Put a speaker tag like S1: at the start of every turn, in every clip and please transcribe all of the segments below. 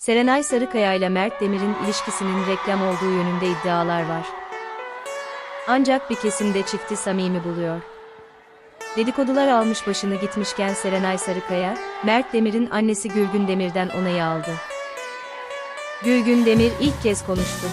S1: Serenay Sarıkaya ile Mert Demir'in ilişkisinin reklam olduğu yönünde iddialar var. Ancak bir kesimde çifti samimi buluyor. Dedikodular almış başını gitmişken Serenay Sarıkaya, Mert Demir'in annesi Gülgün Demir'den onayı aldı. Gülgün Demir ilk kez konuştu.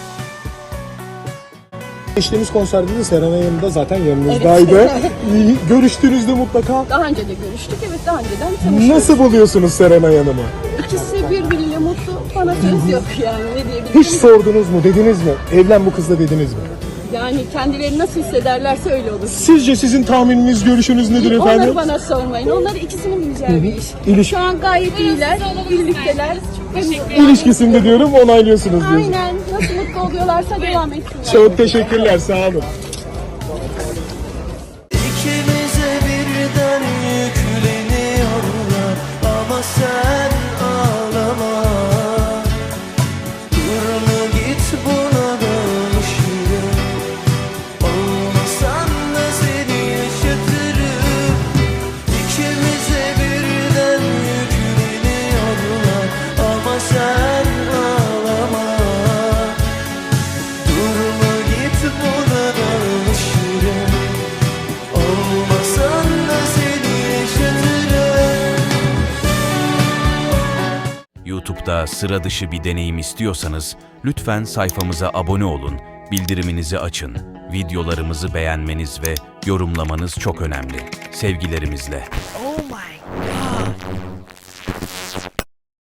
S2: Geçtiğimiz konserde de Serenay Hanım da zaten yanınızdaydı.
S3: Evet.
S2: Görüştüğünüzde mutlaka.
S3: Daha önce de görüştük, evet daha önceden tanıştık.
S2: Nasıl buluyorsunuz Serenay Hanım'ı?
S3: İkisi birbiriyle mutlu, bana söz yok yani ne diyebilirim.
S2: Hiç sordunuz mu, dediniz mi? Evlen bu kızla dediniz mi?
S3: Yani kendileri nasıl hissederlerse öyle olur.
S2: Sizce sizin tahmininiz, görüşünüz nedir efendim?
S3: Onları bana sormayın, onlar ikisinin bileceği bir iş. Şu an gayet iyiler, birlikteler.
S2: İlişkisinde diyorum, onaylıyorsunuz diyorsunuz.
S3: Aynen, nasıl mutlu oluyorlarsa devam etsinler.
S2: Çok teşekkürler, sağ olun.
S4: İkimize birden yükleniyorlar ama sen ağlama. Durma git buna dönüşürüm. Olmasan da seni yaşatırım. İkimize birden yükleniyorlar ama sen ağlama. Durma git buna dönüşürüm. Olmasan da seni yaşatırım.
S5: YouTube'da sıra dışı bir deneyim istiyorsanız lütfen sayfamıza abone olun, bildiriminizi açın. Videolarımızı beğenmeniz ve yorumlamanız çok önemli. Sevgilerimizle.
S4: Oh my